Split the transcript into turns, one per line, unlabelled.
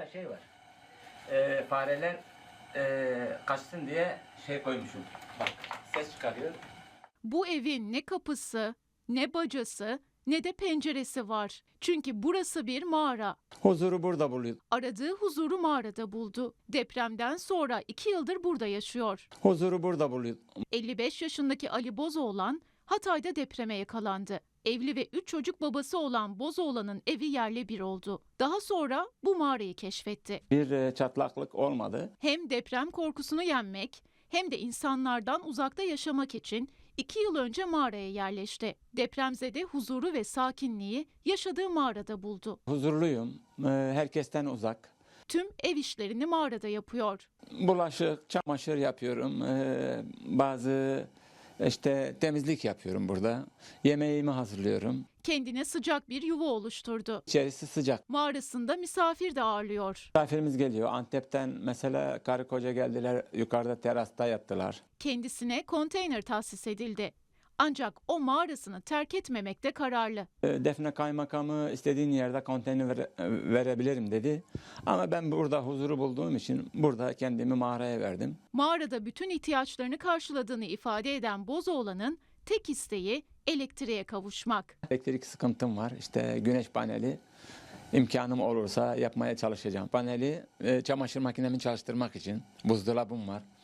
şey var. Fareler kaçsın diye şey koymuşum. Bak ses çıkarıyor.
Bu evin ne kapısı, ne bacası, ne de penceresi var. Çünkü burası bir mağara.
Huzuru burada buluyor.
Aradığı huzuru mağarada buldu. Depremden sonra 2 yıldır burada yaşıyor.
Huzuru burada buluyor.
55 yaşındaki Ali Bozoğlan Hatay'da depreme yakalandı. Evli ve 3 çocuk babası olan Bozoğlan'ın evi yerle bir oldu. Daha sonra bu mağarayı keşfetti.
Bir çatlaklık olmadı.
Hem deprem korkusunu yenmek hem de insanlardan uzakta yaşamak için 2 yıl önce mağaraya yerleşti. Depremzede huzuru ve sakinliği yaşadığı mağarada buldu.
Huzurluyum. Herkesten uzak.
Tüm ev işlerini mağarada yapıyor.
Bulaşık, çamaşır yapıyorum. Bazı temizlik yapıyorum burada. Yemeğimi hazırlıyorum.
Kendine sıcak bir yuva oluşturdu.
İçerisi sıcak.
Mağarasında misafir de ağırlıyor.
Misafirimiz geliyor. Antep'ten mesela karı koca geldiler. Yukarıda terasta yattılar.
Kendisine konteyner tahsis edildi. Ancak o mağarasını terk etmemekte kararlı.
Defne Kaymakamı istediğin yerde konteyner verebilirim dedi. Ama ben burada huzuru bulduğum için burada kendimi mağaraya verdim.
Mağarada bütün ihtiyaçlarını karşıladığını ifade eden Bozoğlan'ın tek isteği elektriğe kavuşmak.
Elektrik sıkıntım var. İşte güneş paneli imkanım olursa yapmaya çalışacağım. Paneli çamaşır makinemi çalıştırmak için buzdolabım var.